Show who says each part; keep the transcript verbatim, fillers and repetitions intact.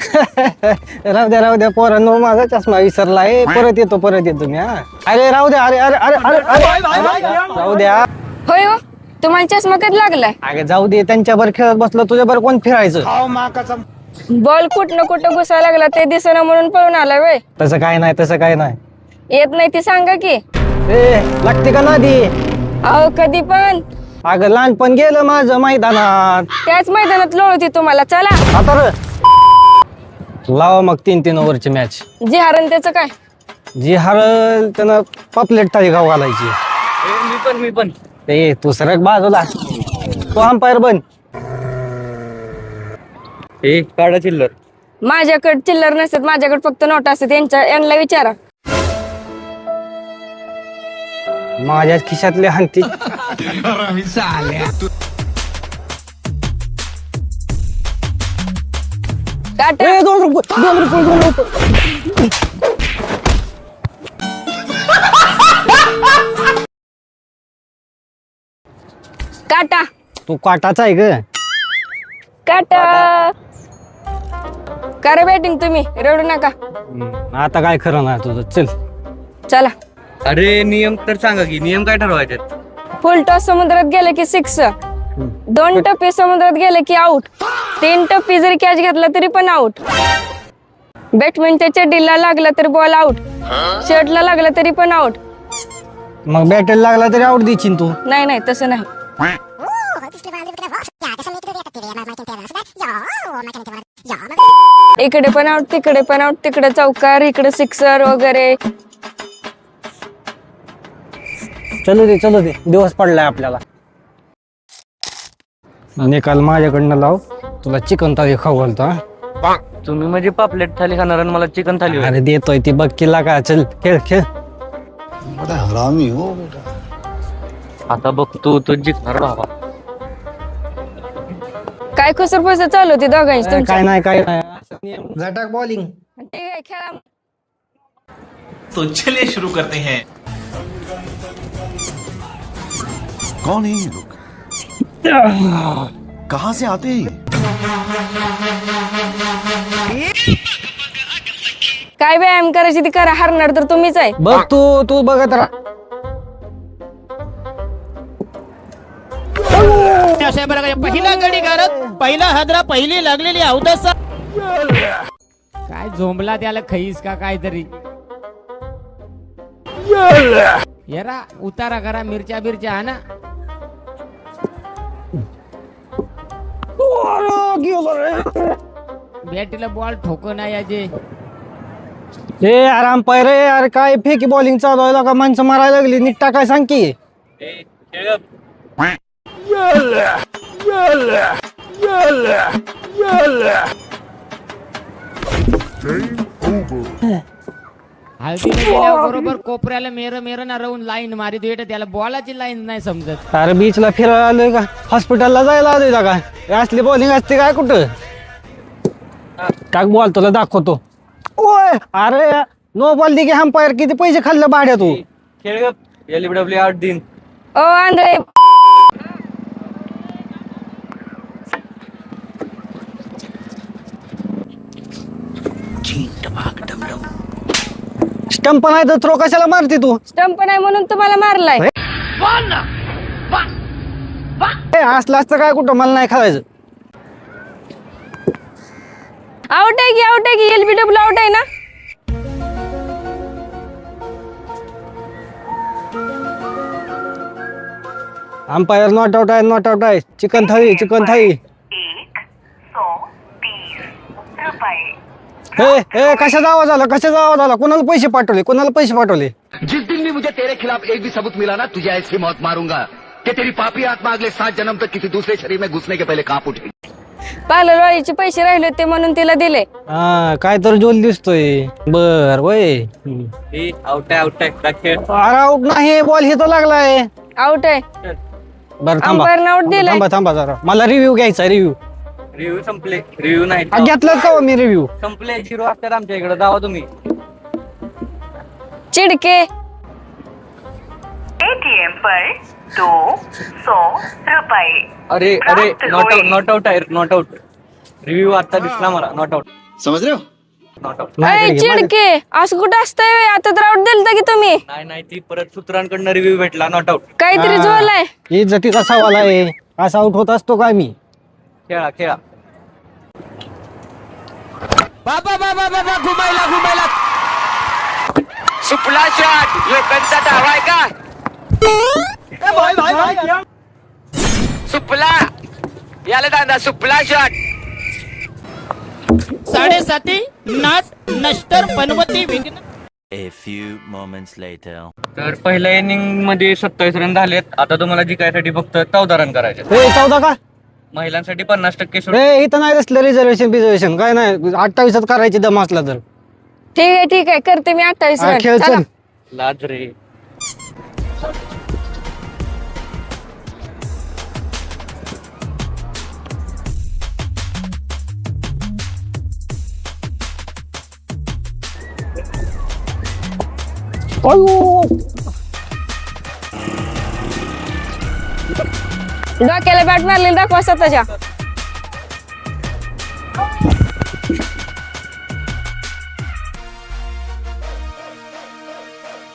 Speaker 1: राहू द्या राहू द्या पोरांनो माझा चष्मा विसरलाय परत येतो परत येतो मी हा अरे राहू द्या अरे अरे अरे अरे अरे राहू द्या
Speaker 2: होय हो तुम्हाला चष्मा कधी लागलाय
Speaker 1: अगे जाऊ दे त्यांच्यावर खेळत बसलं तुझ्यावर कोण फिरायचं
Speaker 2: बॉल कुठं कुठं घुसायला लागला ते दिसेना म्हणून पळून आला वे
Speaker 1: तसं काय नाही तसं काय नाही
Speaker 2: येत नाही ती सांगा की
Speaker 1: ए लागते का नादी
Speaker 2: अहो कधी पण
Speaker 1: अगं लहानपण गेलं माझं मैदानात
Speaker 2: त्याच मैदानात लोळती तुम्हाला चला
Speaker 1: आता र लावा मग तीन तीन ओव्हरची मॅच
Speaker 2: जी हरण त्याचं काय
Speaker 1: जी हरल त्यानं पापलेट थाळी गाव घालायची
Speaker 3: मी पण मी पण
Speaker 1: ए तू सरक बाजूला तो अंपायर बन
Speaker 3: ए काढा चिल्लर
Speaker 2: माझ्याकडे चिल्लर नसतात माझ्याकडे फक्त नोट असतात यांच्या यांना विचारा
Speaker 1: माझ्याच खिशातले हंती
Speaker 2: टाटा
Speaker 1: ए, दोन रुपये दोन रुपये दोन रुपये
Speaker 2: काटा
Speaker 1: तू काटाचा आहे ग
Speaker 2: काटा करा बॅटिंग तुम्ही रडू नका
Speaker 1: आता काय खरं नाही तुझं चल
Speaker 2: चला
Speaker 3: अरे नियम तर सांगा की नियम काय ठरवायचे
Speaker 2: फुल टॉस समुद्रात गेले की सिक्स दोन टप्पे समुद्रात गेले की आउट तीन टप्पे जरी कॅच घेतला तरी पण आउट बॅट्समॅनच्या चड्डीला लागला तरी बॉल आउट शर्टला लागला तरी पण आउट
Speaker 1: मग बॅटरी लागला तरी आउट देशील तू
Speaker 2: नाही नाही तसं नाही इकडे पण आउट तिकडे पण आउट तिकडे चौकार इकडे सिक्सर वगैरे
Speaker 1: चलू दे चलू दे दिवस पडलाय आपल्याला निकाल माझ्याकडनं लाव तुला चिकन थाली खाऊ घालतो हा
Speaker 3: तुम्ही म्हणजे पापलेट थाली खाणार आणि मला चिकन थाली होय.
Speaker 1: अरे देतोय ती बघ किल्ला का चल खेळ खेळ
Speaker 4: बड़ा हरामी हो बेटा
Speaker 3: आता बघतो तो जिंकणार बाबा
Speaker 2: काय खुसर फुसर चालू होती दोघांची तुमची
Speaker 1: काय नाही काय नाही झटाक बॉलिंग
Speaker 2: ठीक आहे खेळा
Speaker 5: तो चलिए शुरू करते हैं।
Speaker 4: कौन है ये लोग कहाँ से आते हैं
Speaker 2: काय व्यायाम करायची ती करा हरणार तर तुम्हीच आहे
Speaker 1: बघ तू तू बघत राहा
Speaker 6: पहिला गडी गारत पहिला हादरा पहिली लागलेली अवदसा
Speaker 7: काय झोंबला त्याला खईस का काहीतरी येरा उतारा करा मिरच्या बिरच्या हा ना बॅटीला बॉल ठोको नाही याचे
Speaker 1: ए आराम पाय रे अरे काय फेकी बॉलिंग चालू आहे का माणसं मारायला लागली नीट टाकाय सांग की
Speaker 7: हळदीला गेल्यावर बरोबर कोपऱ्याला मेर मेर ना राहून लाईन मारी देत त्याला बॉलाची लाईन नाही समजत
Speaker 1: अरे बीचला फिरायला आलोय का हॉस्पिटलला जायला आलोय का काय असली बॉलिंग असते काय कुठं टाक बॉल तुला दाखवतो ओय अरे नो बॉल दे की अंपायर किती पैसे खाल्ले भाड्या तू
Speaker 3: खेळ एलबीडब्ल्यू आठ दिन
Speaker 2: ओ आंधळे
Speaker 1: स्टंप नाही तर थ्रो कशाला मारते तू
Speaker 2: स्टंप नाही म्हणून तुम्हाला मारलाय
Speaker 1: ए असलं असतं काय कुठं मला नाही खायचं
Speaker 2: आउट आहे की आउट आहे की एलबीडब्ल्यू आउट आहे ना
Speaker 1: अंपायर नॉट आउट आहे नॉट आउट आहे चिकन थाळी चिकन थाळी ए ए कशाचा आवाज आला कशाचा आवाज आला कोणाला पैसे पाठवले कोणाला पैसे पाठवले
Speaker 8: जिस दिन भी मुझे तेरे खिलाफ एक भी सबूत मिला ना तुझे ऐसी मौत मारूंगा कि तेरी पापी आत्मा अगले सात जन्म तक किसी दूसरे शरीर में घुसने के पहले कांप उठेगी
Speaker 2: पार्लरवालीचे पैसे राहिले होते म्हणून तिला दिले
Speaker 1: हा काय तर जोल दिसतोय बर वय
Speaker 3: ए आउट आहे आउट आहे का खेळ
Speaker 1: अरे आउट नाही बॉल हे तर लागलाय
Speaker 2: आउट आहे
Speaker 1: बरं थांबा
Speaker 2: अंपायरनं आउट दिलाय
Speaker 1: थांबा थांबा जरा मला रिव्ह्यू घ्यायचा रिव्ह्यू
Speaker 3: रिव्ह्यू संपले रिव्ह्यू नाही
Speaker 1: घेतलं का हो मी रिव्ह्यू
Speaker 3: संपले झिरो असतात आमच्या इकडे जावा तुम्ही
Speaker 2: चिडके
Speaker 9: एटीएम पर दो सौ रुपए
Speaker 3: अरे अरे नॉट आउट नॉट आउट आहे नॉट आउट रिव्ह्यू आता दिसला मला नॉट आउट
Speaker 4: समझ रहे हो?
Speaker 3: Not out.
Speaker 1: माझ्याकडे घे, माझ्याकडे.
Speaker 2: चिडके असं कुठं असतंय व्हय? आता तर आउट दिलता की तुम्ही
Speaker 3: नाही नाही ती परत सूत्रांकडनं रिव्ह्यू भेटला नॉट आउट.
Speaker 2: काहीतरी
Speaker 1: हा.
Speaker 2: जोलाय.
Speaker 1: इज्जतीचा सवाल आहे. असा आउट होत असतो का मी?
Speaker 3: खेळा खेळा.
Speaker 6: बाबा बाबा बाबा घुमायला घुमायला
Speaker 8: सुपला शॉट यो कंचा डावा आहे का सुपला याला दादा सुपला शॉट
Speaker 6: साडेसाती नाट नष्टर पनवती विघ्न
Speaker 5: A few moments later.
Speaker 3: तर पहिल्या इनिंग मध्ये सत्तावीस रन झालेत. आता तुम्हाला जिंकायसाठी फक्त चौदा रन करायचे.
Speaker 1: ए चौदा का?
Speaker 3: महिलांसाठी पन्नास टक्के सूट.
Speaker 1: ए इथं नाही असलं रिझर्वेशन बिझर्वेशन काय नाही. अठ्ठावीसात करायची दम असला तर
Speaker 2: ठीक आहे ठीक आहे करते मी अठ्ठावीस
Speaker 1: हा,
Speaker 2: रन
Speaker 1: खेळ
Speaker 2: चला.
Speaker 1: चल.
Speaker 3: लाज रे.
Speaker 1: अयो.
Speaker 2: डोक्याला बॅट मारलेली दाखवा स्वतःच्या